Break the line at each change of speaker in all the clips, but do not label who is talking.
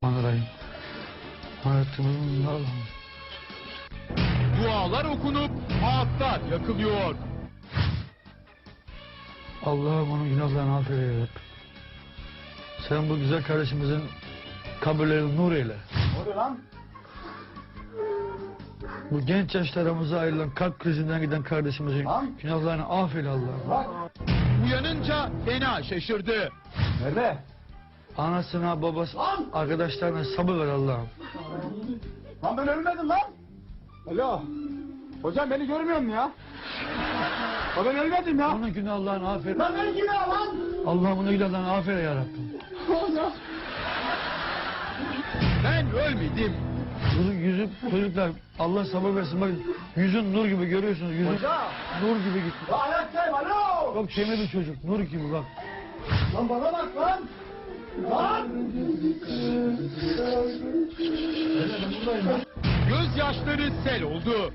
Bismillahirrahmanirrahim. Hayatımın Allah'ım.
Dualar okunup ağıtlar yakılıyor.
Allah'ım onun günahlarını affeyle ya Rabbi. Sen bu güzel kardeşimizin kabirlerini nur eyle.
Ne oluyor lan?
Bu genç yaşlarımıza ayrılan kalp krizinden giden kardeşimizin
Lan.
günahlarını affeyle Allah'ım.
Bak.
Uyanınca fena şaşırdı.
Nerede?
Anasına, babası,
Lan.
arkadaşlarına sabır ver Allah'ım.
Lan ben ölmedim lan. Alo. Hocam beni görmüyor musun ya? O ben ölmedim ya.
Onun günahlarını affeyle.
Lan beni kim ya lan?
Allah'ım onun günahlarını affeyle ya Rabbi.
Hocam.
Ben ölmedim.
Yüzü çocuklar Allah sabır versin. Bakın yüzün nur gibi görüyorsunuz. Yüzün
Hocam.
nur gibi gitti.
Lan ayaktayım alo.
Çok temiz bir çocuk. Nur gibi bak.
Lan bana bak lan. Lan.
Gözyaşları sel oldu.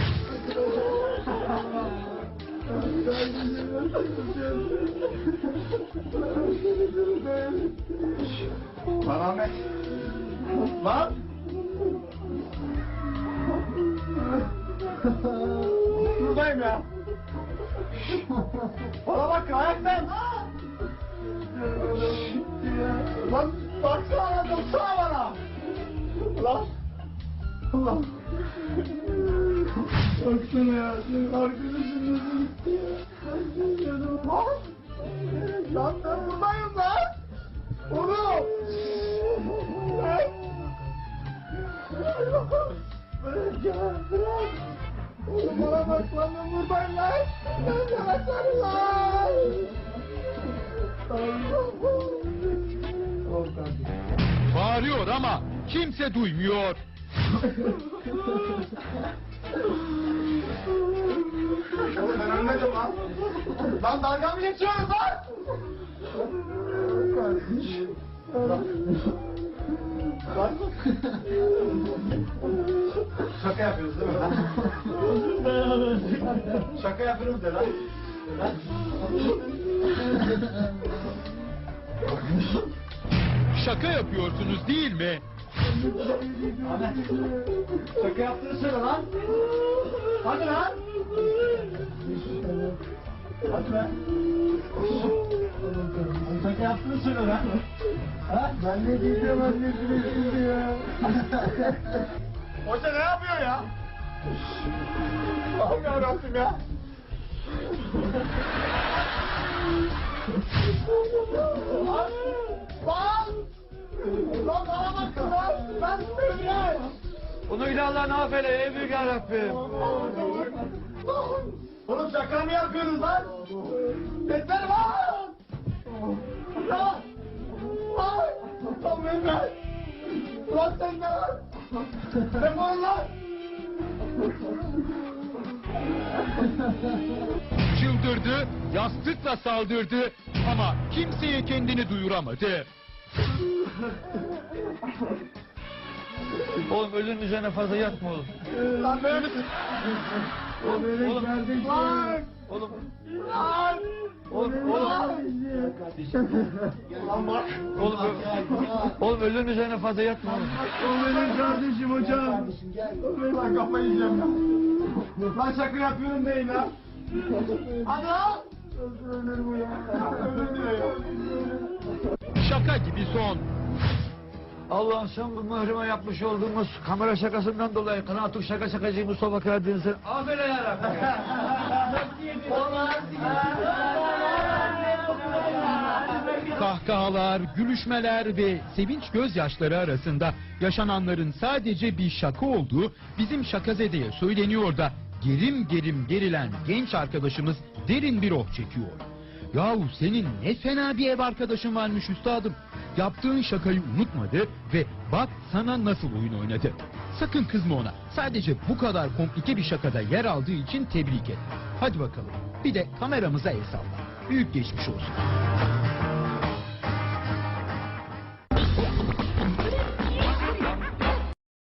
Lan Ahmet. Lan. Buradayım ya. Bana bak ayaktayım. Lan baksana baksana bana. Lan. Lan. Baksana ya. Arkadaşım nasıl gitti ya. Lan. Lan ben buradayım lan. Oğlum. Lan. Bırak ya bırak. Oğlum bana bak lan ben buradayım lan. Ben sana sarıl lan.
Bağırıyor ama kimse duymuyor.
Oğlum ben ölmedim lan. Lan dalga mı geçiyoruz lan? Lan. Şaka yapıyoruz değil mi lan? Şaka yapıyoruz de lan.
Şaka yapıyorsunuz değil mi?
Ahmet. Şaka yaptığını söyle lan. Hadi lan. Hadi lan. Şaka yaptığını söyle lan. Ha? Ben ne diyeceğim annesine şimdi ya. Hoca ne yapıyor ya? Allah'ım yarabbim ya. Lan! Lan! Lan bana bakın lan! Ben söyleyeyim!
Onun günahlarını affeyle ey büyük ya Rabbim.
Oğlum şaka mı yapıyorsunuz lan? Yeter lan! Lan! Lan! Lan ben ben! Lan sen ne lan? Defol lan!
Çıldırdı, yastıkla saldırdı ama kimseye kendini duyuramadı.
Oğlum ölünün üzerine fazla yatma oğlum.
Lan böyle misin?
Oğlum.
Lan!
Oğlum.
Lan!
Oğlum.
Lan bak!
Oğlum ölünün üzerine fazla yatma oğlum.
O benim kardeşim hocam. Lan kafayı yiyeceğim ya. Lan şaka yapıyorum değil lan. Hadi lan. Ölür bu ya. Ölür diyor ya.
Şaka gibi son.
Allah'ım sen bu mührime yapmış olduğumuz kamera şakasından dolayı Kınatuk şakacı Mustafa Karadeniz'e affeyle ya Rabbi.
Kahkahalar, gülüşmeler ve sevinç gözyaşları arasında yaşananların sadece bir şaka olduğu bizim Şakazede'ye söyleniyor da gerim gerim gerilen genç arkadaşımız derin bir oh çekiyor. Yahu senin ne fena bir ev arkadaşın varmış üstadım. Yaptığın şakayı unutmadı ve bak sana nasıl oyun oynadı. Sakın kızma ona. Sadece bu kadar komplike bir şakada yer aldığı için tebrik et. Hadi bakalım. Bir de kameramıza el salla. Büyük geçmiş olsun.